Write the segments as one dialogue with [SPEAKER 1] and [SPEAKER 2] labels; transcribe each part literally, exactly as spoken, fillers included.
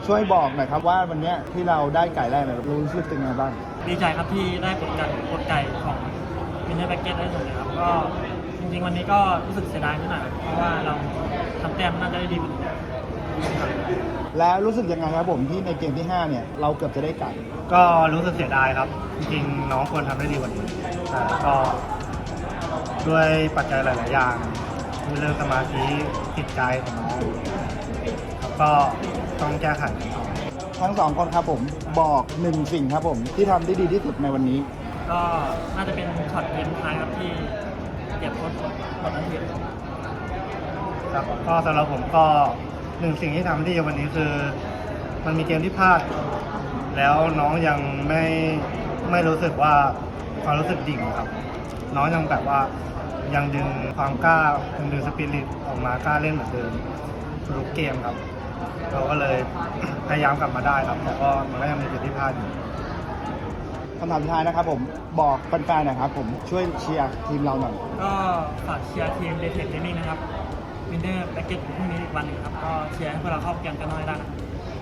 [SPEAKER 1] ช่วยบอกหน่อยครับว่าวันนี้ที่เราได้ไก่แรกเนี่ยรู้สึกเป็นไงบ้าง
[SPEAKER 2] ดีใจครับที่ได้กดไก่กดไก่ของวินเนอร์แบ็กเก็ตได้สำเร็จครับก็จริงๆวันนี้ก็รู้สึกเสียดายนิดหน่อยเพราะว่าเราทำแต้มน่าจะได้ดีกว่านี้
[SPEAKER 1] แล้วรู้สึกยังไงครับผมที่ในเกมที่ห้าเนี่ยเราเกือบจะได้ไก่
[SPEAKER 3] ก็รู้สึกเสียดายครับจริงๆน้องควรทำได้ดีกว่านี้แต่ก็ด้วยปัจจัยหลายๆอย่างเรื่องสมาธิจิตใจของน้องครับก็ต้องแก้ไขกันต่อ
[SPEAKER 1] ทั้งสองคนครับผมบอกหนึ่งสิ่งครับผมที่ทำได้ดีที่สุดในวันนี้
[SPEAKER 2] ก็น่าจะเป็นช็อตเกมท้ายครับที่เก็บโค้ชกดนันที
[SPEAKER 3] ครับก็สำหรับผมก็หนึ่งสิ่งที่ทำได้วันนี้คือมันมีเกมที่พลาดแล้วน้องยังไม่ไม่รู้สึกว่าความรู้สึกดิ่งครับน้องยังแบบว่ายังดึงความกล้ายังดึงสปิริตออกมากล้าเล่นเหมือนเดิมทุกเกมครับเราก็เลยพยายามกลับมาได้ครับแต่ก็มันก็ยังมีจุดที่พลาดอยู่
[SPEAKER 1] คำถามสุดท้ายนะครับผมบอกแฟนๆนะครับผมช่วยเชียร์ทีมเราหน่อย
[SPEAKER 2] ก็ฝากเชียร์ทีมเดทเทคเกมมิ่งนะครับวินเนอร์แบ็กเก็ตพรุ่งนี้อีกวันหนึ่งครับก็เชียร์ให้พวกเราเข้าเกมกันน้อยได้นะ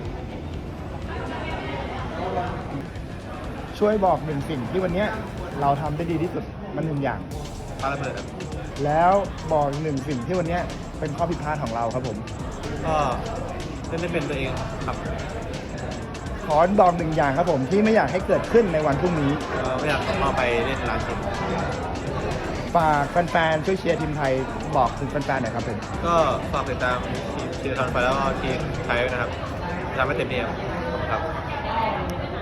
[SPEAKER 1] ช่วยบอกหนึ่งสิ่งที่วันนี้เราทำได้ดีที่สุดมันหนึ่งอย่าง
[SPEAKER 3] ปาระเบิดครับ
[SPEAKER 1] แล้วบอกหนึ่งสิ่งที่วันนี้เป็นข้อผิดพลาดของเราครับผม
[SPEAKER 3] ก็เล่นไม่เป็นตัวเองครับ
[SPEAKER 1] ขอบอกหนึ่งอย่างครับผมที่ไม่อยากให้เกิดขึ้นในวันพรุ่งนี้
[SPEAKER 3] ไม่อยากมาไปเล่นร้านเกม
[SPEAKER 1] ฝากแฟนๆช่วยเชียร์ทีมไทยบอกถึงแฟนๆหน่อยครับผม
[SPEAKER 3] ก็ฝากติดตามทีมทีมไทยไปแล้วก็ทีมไทยนะครับทำให้เต็มที่ครับ